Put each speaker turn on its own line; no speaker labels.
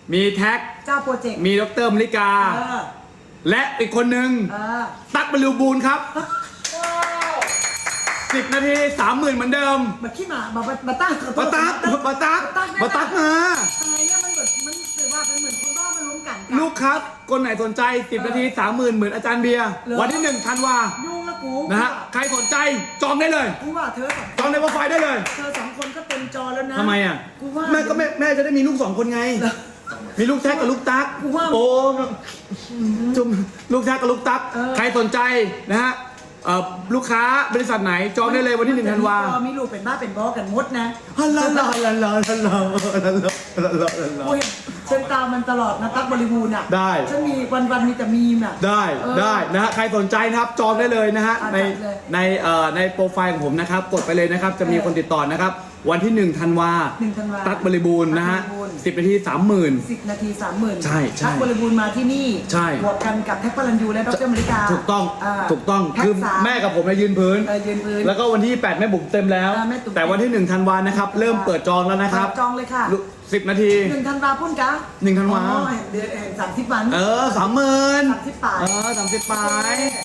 มีแท็ก
เจ้าโปรเจกต์
มีดรมริกา และอีกคนหนึ่งตั๊กบรรลุบูลครับ10 นาที 30,000เหมือนเดิม
มาขี้หมามาตั้ง
มาตั๊กมา
ตายเนี่ยมันแบบมันถือว่าเป็นเหมือนคนบ้ามาลุ้มกัน
ลูกครับคนไหนสนใจ10 นาที 30,000เหมือนอาจารย์เบียร์วันที่1 ธันวา
ยุ่งละกู
นะฮะใครสนใจจองได้เลย
กูว่าเธอสอง
จองในโปรไฟล์ได้เลย
เธอสองคนก็เต็มจอแล้วนะ
ทำไมอ่ะ
กูว่า
แม่จะได้มีลูก2 คนไง มีลูกแท็กกับลูกตั๊ก
กูว่า
โอ้จุ่มลูกแท็กกับลูกตั๊กใครสนใจนะฮะลูกค้าบริษัทไหนจองได้เลยวันที่1 ธันวา
มีลูกเป็นบ้าเป็นบอกันมดนะ
ฮัลโหล
กูเห็นเส้นตามันตลอดนะตั๊กบริบูรณ์อ่ะ
ได้
ฉันมีวันมีแต่มีมอ่ะ
ได้นะฮะใครสนใจนะครับจองได้เลยนะฮะใน
จัดเลย
ในโปรไฟล์ของผมนะครับกดไปเลยนะครับจะมีคนติดต่อนะครับวันที่1 ธันวา
1 ธันวา
ตั๊กบริบูรณ์นะฮะ
ตั๊กบริบูรณ์
10 นาที 30,000
10 นาที 30,000
ใช่ใช่
ตั๊กบริบูรณ์มาที่นี่
ใช่
บวกกันกับแท็กพลันยูและดรมริกา
ถูกต้อง
แท็ก
คือ
สาม
แม่กับผมเนี่ยยืนพื้น
ยืนพื้น
แล้วก็วันที่8แม่บุ๋มเต็มแล้ว
แม่บุ๋ม
แต่วันที่1 ธันวานะครับเริ่มเปิดจองแล้วนะครับ
จองเลยค่ะ
10 นาที
1 ธันวาพุ่นกะ
1 ธันวา
เดือนแห่ง30 วัน
30,000
30 ปลาย
30 ปลาย